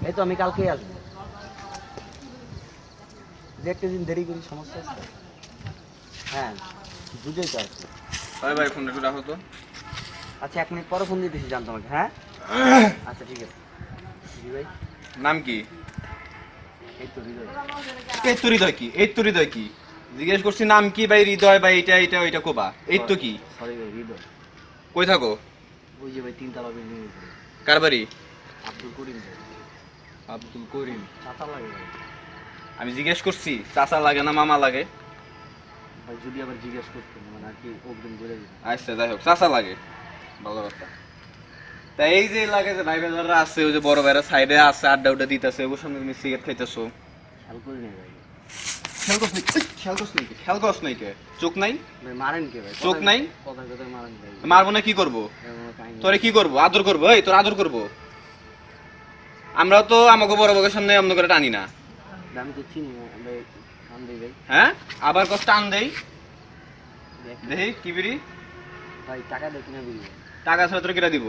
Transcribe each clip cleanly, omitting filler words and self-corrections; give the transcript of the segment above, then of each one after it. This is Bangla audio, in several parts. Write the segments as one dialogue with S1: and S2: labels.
S1: এই তো আমি কালকেই আসবো। যে একটা দিন দেরি করি সমস্যা আছে। হ্যাঁ বুঝেই তো আসছি।
S2: ভাই ভাই ফোনটা একটু রাখো তো।
S1: আচ্ছা 1 মিনিট পরে ফোন দিতেছি জান তোমাকে। হ্যাঁ আচ্ছা ঠিক আছে। জি ভাই।
S2: নাম কি?
S1: এই তো হৃদয়।
S2: এই তো হৃদয় কি? এই তো হৃদয় কি? জিজ্ঞেস করছি নাম কি ভাই? হৃদয় ভাই এটা এটা ওইটা কোবা। এই তো কি?
S1: সরি ভাই হৃদয়।
S2: কই থাকো?
S1: ওই যে ভাই 3 তলা বিল্ডিং এর উপরে।
S2: কার বাড়ি?
S1: আব্দুল করিম ভাই।
S2: আব্দুল করিম।
S1: চাচা লাগে ভাই।
S2: আমি জিজ্ঞেস করছি চাচা লাগে না মামা লাগে?
S1: ভাই যদি আবার জিজ্ঞেস করতেন মানে আর কি অগ্রিম বলে দিতেন।
S2: আচ্ছা যাই হোক চাচা লাগে, ভালো কথা। তা এই যে লাগে যে ভাই বেজাররা আছে, ওই যে বড় ভাইরা সাইডে আছে আড্ডা উড্ডা দিতেছে, ওর সামনে তুমি সিগারেট খাইতেছো।
S1: খেয়াল করি নাই ভাই।
S2: খেয়াল করছ নাই কে? চোখ নাই?
S1: ভাই মারেন কে ভাই?
S2: চোখ নাই?
S1: কথা কথা মারেন ভাই।
S2: মারবো না কি করবো?
S1: এমন কাহিনী।
S2: তোরে কি করবো? আদর করবো? এই তোর আদর করবো? আমরাও তো আমাকে বড় বড়ের সামনে অন্য করে টানি না।
S1: আমি তো চিনি না ভাই। কাম দেই ভাই।
S2: হ্যাঁ আবার কষ্ট টান দেই দেখি কি বিড়ি?
S1: ভাই টাকা দেয় কিনা বিল?
S2: টাকা ছাড়া তোর কিটা দিব?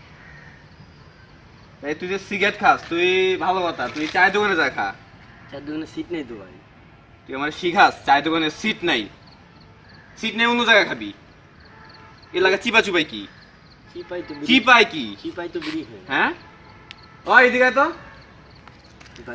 S2: এই তুই যে সিগারেট খাস, তুই ভালো কথা, তুই চায়ের দোকানে যা খা।
S1: চার দোকানে সিট নেই তো ভাই।
S2: তুই আমার শিখাস চায়ের দোকানে সিট নাই? সিট নেই অন্য জায়গায় খাবি। এলাকা চিপা চুপাই কি?
S1: চিপাই তো বিড়ি।
S2: চিপাই কি?
S1: চিপাই তো বিড়ি খাই।
S2: হ্যাঁ ও এদিকে আয় তো।
S1: ভাই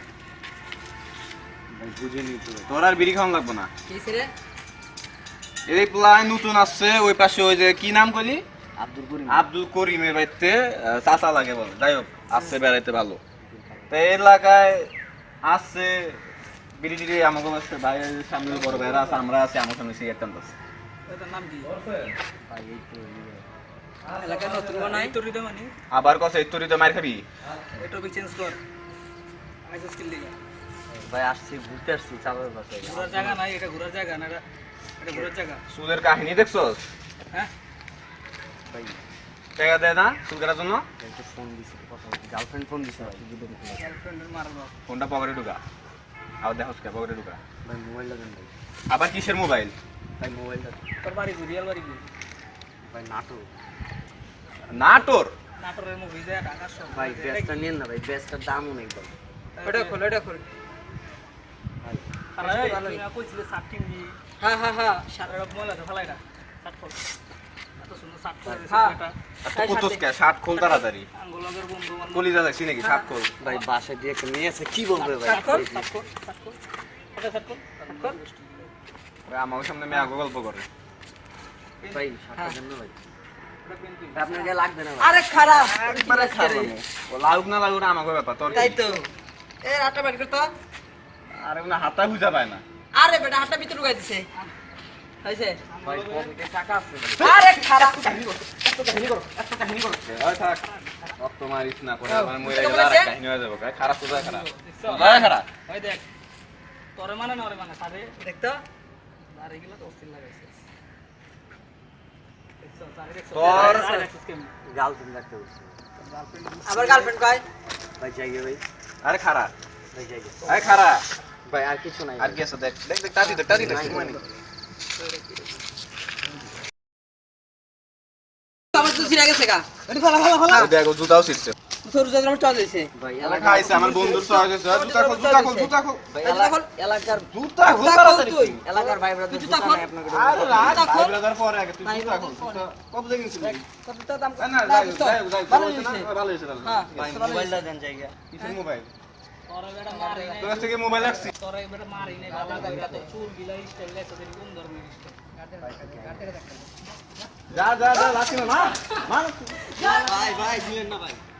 S1: ভাই বুঝে নি তো ভাই।
S2: তোর আর বিড়ি খাওয়ান লাগবো না।
S1: কি রে?
S2: এই প্লাই নতুন আসছে ওই পাশে, ওই যে কি নাম কইলি?
S1: আব্দুল করিম।
S2: আব্দুল করিমের বাড়িতে চাচা লাগে বলে। যাই হোক আসছে বেড়াইতে ভালো। তো এই এলাকায় আসছে বিড়ি টিড়ি আমাকে আসছে, বাইরের সামনে বড় ভাইরা আছে, আমরা আছি, আমার সামনে সিগারেট টানতেছে।
S1: এটার নাম কি? ভাই এই তো এলাকা নতুন বানাই তো হৃদয় মানে।
S2: আবার কসে এই তোরই তো মার খাবি?
S1: এটা বি চেঞ্জ কর। আইসা স্কিল দিগা। ভাই আসছি ঘুরতে আসছি চালের পাশে। ঘোরার জায়গা নাই, এটা ঘোরার জায়গা না, এটা ঘোরার জায়গা।
S2: সুদের কাহিনী দেখছস?
S1: হ্যাঁ ভাই
S2: টাকা দেয় না সুদ করার জন্য?
S1: একটা ফোন দিছে, কথা বলছি, গার্লফ্রেন্ড ফোন দিছে ভাই। গার্লফ্রেন্ডের মারলো।
S2: ফোনটা পকেটে ঢুকা। আবার দেখোস কে পকেটে ঢুকা?
S1: ভাই মোবাইলটা দেন ভাই।
S2: আবার কিসের মোবাইল?
S1: ভাই মোবাইলটা। তোর বাড়ি রিয়াল বাড়ি কি? ভাই নাটো।
S2: নাটোর?
S1: নাটোরের মুভি যায় ঢাকার সব। ভাই বেস্টটা নেন না ভাই, বেস্টটার দাম অনেক ভাই। ওটা খোল, ওটা খোল। ভাই আরে তুই কইছিলে 60 কিনবি। হ্যাঁ হ্যাঁ হ্যাঁ, শার্টের মোবাইল আছে ফলাইটা। 60 খোল। এত সুন্দর 60 খোল দিছে এটা।
S2: এত কুতুস কে? শার্ট খোল তাড়াতাড়ি।
S1: আঙ্গুলের বন্ধু আমার
S2: কলিজা দেখছি নাকি? শার্ট খোল।
S1: ভাই বাসায় দিয়ে একটা নিয়ে আছে, কি বলবে ভাই? 60 খোল, 60 খোল, 60 খোল। এটা 60 খোল, 60 খোল।
S2: ভাই আমার সামনে মেয়ে গল্প করে।
S1: ভাই 60 দেন না ভাই। আপনার কে লাগবে না ভাই। আরে খারাপ
S2: একবারে খারাপ। ও লাগুক না লাগুক আমাকে ব্যাপার তোর।
S1: তাই তো। এ আটা বের কর তো।
S2: আরে না হাতা বুঝা পায় না।
S1: আরে বেটা হাতটা ভিতরে ঢুকাই দিছে। হইছে? ভাই পকেটে টাকা আছে। আরে খারাপ কাহিনী করো। এত কাহিনী করো। এত কাহিনী করো।
S2: ওই থাক। রক্ত মারিস না করে আমার মরে গেল আর কাহিনী হয়ে যাবে। খারাপ তো যায় খারাপ। যায় খারাপ।
S1: ওই দেখ। তোরে মানে না ওরে মানে সারে দেখ তো। আর এগুলো তো অস্থির লাগাইছে।
S2: তোর
S1: গার্লফ্রেন্ড রাখতে বলছে। আবার গার্লফ্রেন্ড কয়? ভাই যাইগে ভাই।
S2: আরে খারাপ।
S1: ভাই যাইগে।
S2: আরে খারাপ।
S1: ভাই আর কিছু নাই।
S2: আর কি আছে দেখ দেখ দেখ টাটি দেখ টাটি দেখ মানে।
S1: আমার তো ছিড়ে গেছে গা। এটা ফলা ফলা ফলা।
S2: দেখ জুতাও ছিটছে।
S1: তোর জন্য আমার চল দিছে। ভাই
S2: এলাকা আইছে আমার বন্ধুর সহ গেছে। জুতা খোল জুতা খোল জুতা খোল।
S1: ভাই এলাকার
S2: জুতা খোল তাড়াতাড়ি।
S1: এলাকার ভাই ব্রাদার জুতা নাই আপনাকে।
S2: আরে রাত ভাই ব্রাদার পরে আগে তুই জুতা খোল। কত দেখেন ছিলি?
S1: কত দাম?
S2: না যাই যাই ভালো হইছে তাহলে।
S1: হ্যাঁ ভাই মোবাইলটা দেন জায়গা।
S2: কিসের মোবাইল?
S1: তোরে বেটা মারি নাই।
S2: তোর কাছ থেকে মোবাইল রাখছি।
S1: তোরে বেটা মারি নাই বাবা কইরা তো চুল গিলা স্টাইল লেছে দেরি কোন ধরনের স্টাইল।
S2: যা যা যা লাসি না।
S1: ভাই ভাই দিলেন না ভাই।